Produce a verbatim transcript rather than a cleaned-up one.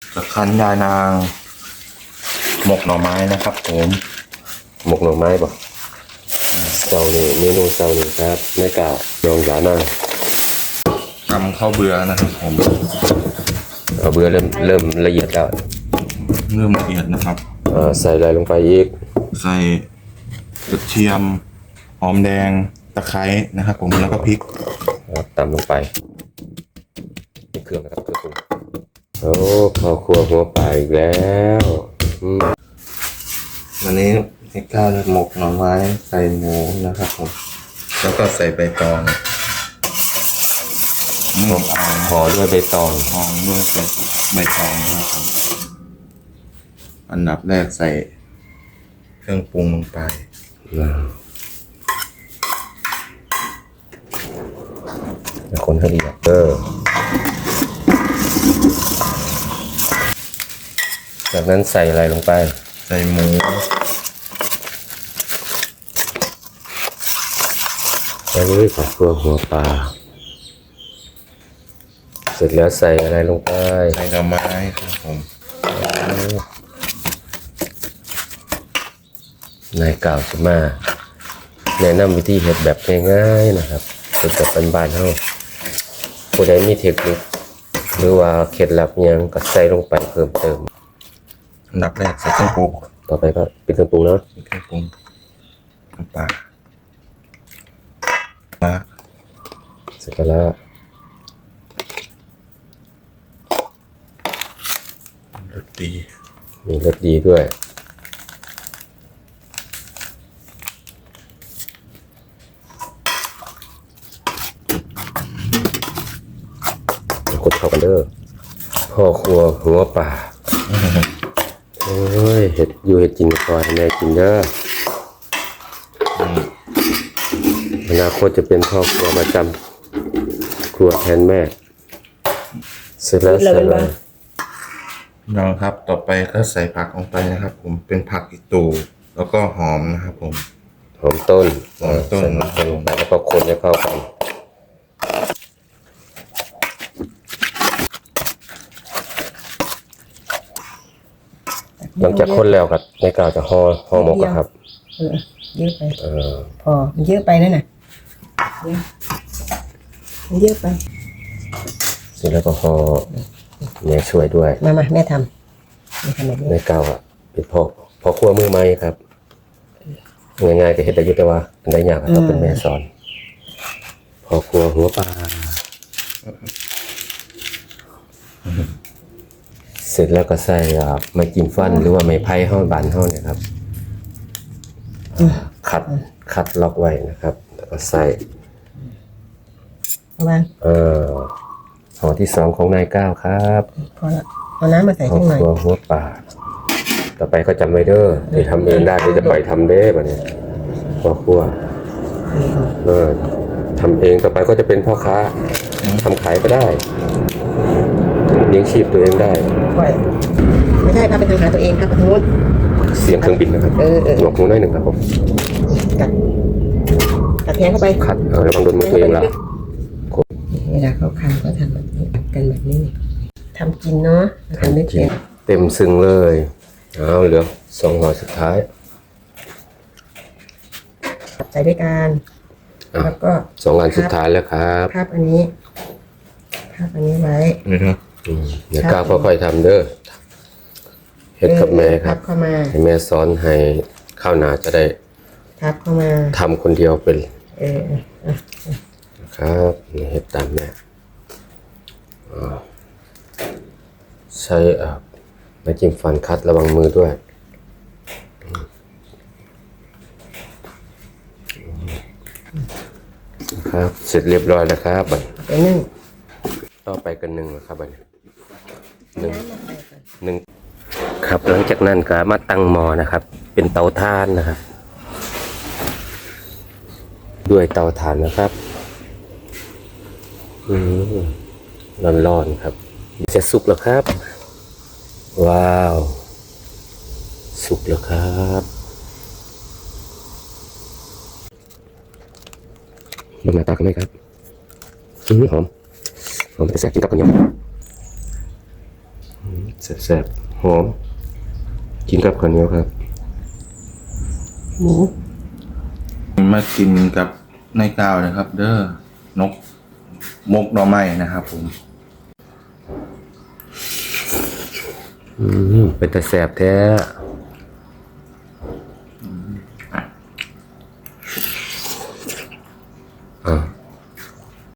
ตะคันยานางหมกหน่อไม้นะครับผมหมกหน่อไม้บ่เจ้านี่เมนูเจ้านี่ครับในกาลองยานางทำข้าวเบื่อนะครับผมเอาเบื่อเริ่มเริ่มละเอียดแล้วเริ่มละเอียดนะครับใส่อะไรลงไปอีกใส่กระเทียมหอมแดงตะไคร้นะครับผมแล้วก็พริกตำลงไปเครื่องนะครับเครื่องปรุงโอ้ข้าวคั่วหัวปลาอีกแล้ววันนี้ให้ข้าวหมกหน่อไม้ใส่หมูนะครับผมแล้วก็ใส่ใบตองห่อด้วยใบตองห่อด้วยใบตองนะครับผมอันดับแรกใส่เครื่องปรุงลงไปคนให้ละเอียดเออจากนั้นใส่อะไรลงไปใส่หมูแล้วก็ผักตัวหัวปลาเสร็จแล้วใส่อะไรลงไปใส่หน่อไม้ครับผมนายกล่าวจะมาแนะนำวิธีเห็ดแบบง่ายๆนะครับเป็นแบบบ้านๆเฮาผู้ใดมีเทคนิคหรือว่าเคล็ดลับยังก็ใส่ลงไปเพิ่มเติมอันดับแรกใส่เครื่องปรุงต่อไปก็เป็นเครื่องปรุงเนาะเครื่องปรุงน้ำปลาปลาเสร็จแล้วรสดีมีรสดีด้วยคนเข้ากันเด้อพ่อครัวหัวป่าโอ้ยเห็ดอยู่เห็ดกินก่อนแม่กินเด้ออนาคตจะเป็นพ่อครัวมาจำครัวแทนแม่เสร็จแล้วเสร็จแล้วน้องครับต่อไปก็ใส่ผักลงไปนะครับผมเป็นผักอีตูแล้วก็หอมนะครับผมหอมต้นหอมต้นลงไปแล้วก็คนให้เข้ากันหลังจากคนแล้วครับในกาวจะห่อห่อหมกครับเออเยอะไปเออพอมันเยอะไปแล้วน่ะมันเยอะไปเสร็จแล้วก็ห่อแม่ช่วยด้วยมามาแม่ทำแม่ทำแบบนี้ในกาวอ่ะเป็นพ่อพ่อครัวมือใหม่ครับง่ายๆก็เห็นได้ยุ่แต่ว่าอันใดยากก็เป็นแม่สอนพ่อครัวหัวปลาเสร็จแล้วก็ใส่ไม้จิ้มฟันหรือว่าไม้ไผ่ห่อบานห่อเนี่ยครับคัดคัดล็อกไว้นะครับแล้วก็ใส่ประมาณเอ่อห่อที่สองของนายก้าวครับพอละเอาน้ำมาใส่ข้างในหัวหัวปลาต่อไปก็จำไว้เด้อที่ทำเองได้ที่จะปล่อยทำเด้แบบนี้พ่อครัวเออทำเองต่อไปก็จะเป็นพ่อค้าทำขายก็ได้เลี้ยงชีพตัวเองได้ไม่ใช่พาไปทำหาตัวเองครับทุกเสียงเครื่องบินนะครับหนวกหูน้อยหนึ่งครับผมกัดกัดแทงเข้าไปขัดเออระวังโดนมือตัวเองละเวลาเขาคันก็ทำแบบนี้กันแบบนี้ทำกินเนาะทำไม่เป็นเต็มซึ้งเลยเอาเหลือสองห่อสุดท้ายใส่ด้วยกันแล้วก็สองอันสุดท้ายแล้วครับภาพอันนี้ภาพอันนี้ไว้นี่ครับเดี๋ยวก้าวค่อยๆทำเด้อเฮ็ดกับแม่ครับให้แม่สอนให้ข้าวหนาจะได้ทับเข้ามาทำคนเดียวเป็นเออครับเฮ็ดตามแม่ใช้ไม้จิ้มฟันคัดระวังมือด้วยครับเสร็จเรียบร้อยแล้วครับบัดไปนึ่งต่อไปกันหนึ่งนะครับบัดหนึ่งหนึ่งครับหลังจากนั้นก็มาตั้งหม้อนะครับเป็นเตาถ่านนะครับด้วยเตาถ่านนะครับอืมร้อนๆครับจะสุกแล้วครับว้าวสุกแล้วครับลงมาตากันไหมครับอืมหอมหอมจะแซ่บกินกับข้าวเหนียวแซ่บๆหอมกินกับข้าวเหนียวครับหมูมากินกับในกาวนะครับ เด้อนกมกหน่อไม้นะครับผมอืมเป็นแต่แซ่บแท้